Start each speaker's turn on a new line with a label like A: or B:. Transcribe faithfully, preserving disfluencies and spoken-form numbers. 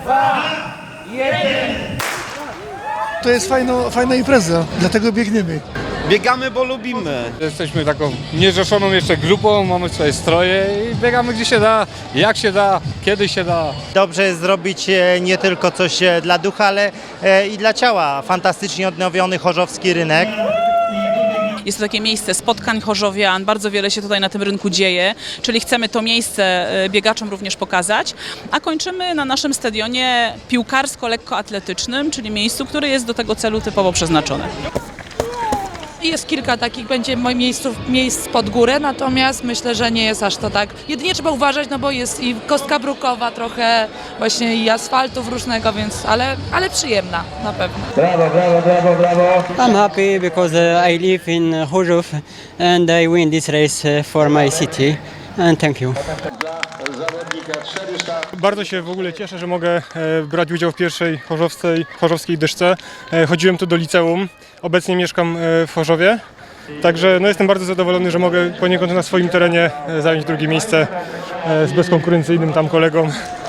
A: dwa, jeden.
B: To jest fajno, fajna impreza, dlatego biegniemy.
C: Biegamy, bo lubimy.
D: Jesteśmy taką niezrzeszoną jeszcze grupą, mamy swoje stroje i biegamy gdzie się da, jak się da, kiedy się da.
E: Dobrze jest zrobić e, nie tylko coś e, dla ducha, ale e, i dla ciała. Fantastycznie odnowiony chorzowski rynek.
F: Jest to takie miejsce spotkań chorzowian, bardzo wiele się tutaj na tym rynku dzieje, czyli chcemy to miejsce biegaczom również pokazać, a kończymy na naszym stadionie piłkarsko-lekkoatletycznym, czyli miejscu, które jest do tego celu typowo przeznaczone.
G: Jest kilka takich będzie miejsc, miejsc pod górę, natomiast myślę, że nie jest aż to tak. Jedynie trzeba uważać, no bo jest i kostka brukowa trochę, właśnie i asfaltów różnego, więc, ale, ale przyjemna na pewno.
A: Brawo, brawo, brawo, brawo.
H: I'm happy because uh, I live in Chorzów and I win this race uh, for my city. And thank you.
D: Bardzo się w ogóle cieszę, że mogę e, brać udział w pierwszej chorzowskiej, chorzowskiej dyszce. E, chodziłem tu do liceum, obecnie mieszkam e, w Chorzowie. Także no, jestem bardzo zadowolony, że mogę poniekąd na swoim terenie e, zająć drugie miejsce e, z bezkonkurencyjnym tam kolegą.